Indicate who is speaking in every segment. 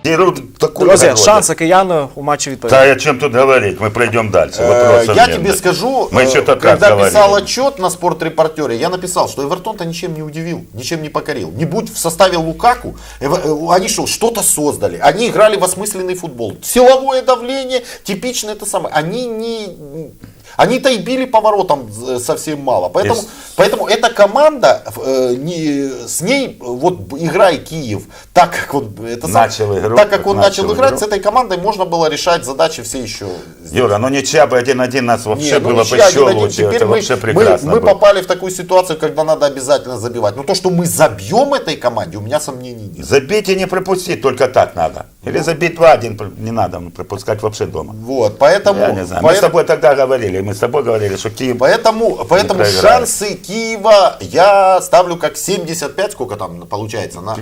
Speaker 1: Друзья, шансы киян у матче відповідь.
Speaker 2: Да, о чем тут говорить, мы пройдем дальше.
Speaker 3: Я тебе скажу, когда писал отчет на спортрепортере, я написал, что Эвертон-то ничем не удивил, ничем не покорил. Не будь в составе Лукаку, они что-то создали, они играли в осмысленный футбол. Силовое давление, типичное это самое. Они-то и били поворотом совсем мало. Поэтому эта команда, с ней, вот играя Киев, так как он начал играть, с этой командой можно было решать задачи все еще.
Speaker 2: Юра, ну ничья бы 1-1 нас вообще было бы еще лучше.
Speaker 3: Теперь мы попали в такую ситуацию, когда надо обязательно забивать. Но то, что мы забьем этой команде, у меня сомнений нет.
Speaker 2: Забить и не пропустить, только так надо. Или забить 2-1, не надо пропускать вообще дома.
Speaker 3: Вот, поэтому...
Speaker 2: Я не знаю. Мы с тобой тогда говорили, что Киев...
Speaker 3: Поэтому шансы Киева я ставлю как 75, сколько там получается, на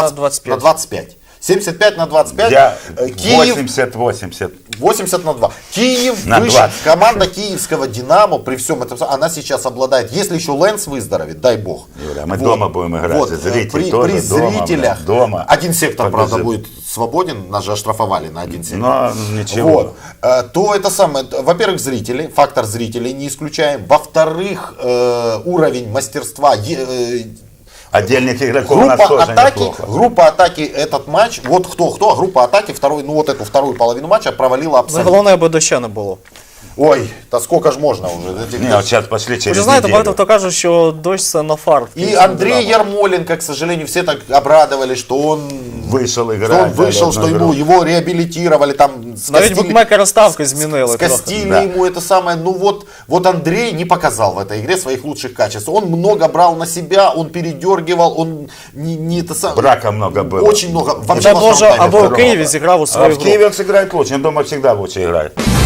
Speaker 3: 25. 75 на 25.
Speaker 2: Я
Speaker 3: Киев
Speaker 2: 80-80.
Speaker 3: 80 на 2. Киев
Speaker 2: на
Speaker 3: выше.
Speaker 2: 20.
Speaker 3: Команда киевского Динамо при всем этом, она сейчас обладает, если еще Лэнс выздоровеет, дай бог.
Speaker 2: Юра, мы дома будем играть.
Speaker 3: Вот, при зрителях.
Speaker 2: Дома.
Speaker 3: Один сектор, правда, будет свободен, нас же оштрафовали на один сектор.
Speaker 2: Но ничего.
Speaker 3: Вот. То это самое, во-первых, зрители, фактор зрителей не исключаем. Во-вторых, уровень мастерства.
Speaker 2: Отдельных игроков у нас тоже неплохо.
Speaker 3: Группа атаки этот матч, вот кто, группа атаки эту вторую половину матча провалила абсолютно.
Speaker 1: Головне, аби доща не було.
Speaker 3: Ой, та сколько ж можно уже?
Speaker 2: Не, вот сейчас пошли через
Speaker 1: Ви знаєте,
Speaker 2: неделю.
Speaker 1: багато хто каже, що дощ це на фар.
Speaker 3: И Андрей Ярмоленко, к сожалению, все так обрадовали, что он
Speaker 2: вышел играть.
Speaker 3: Что его реабилитировали, там
Speaker 1: навіть букмекери ставки змінили.
Speaker 3: Скостили ему это самое. Ну вот Андрей не показал в этой игре своих лучших качеств. Он много брал на себя, он передергивал, он не это самое.
Speaker 2: Брака много было.
Speaker 3: Очень много.
Speaker 1: Вообще, або в Києві зіграв у свою
Speaker 2: гру. А в Киеве он сыграет лучше, он дома всегда лучше играет.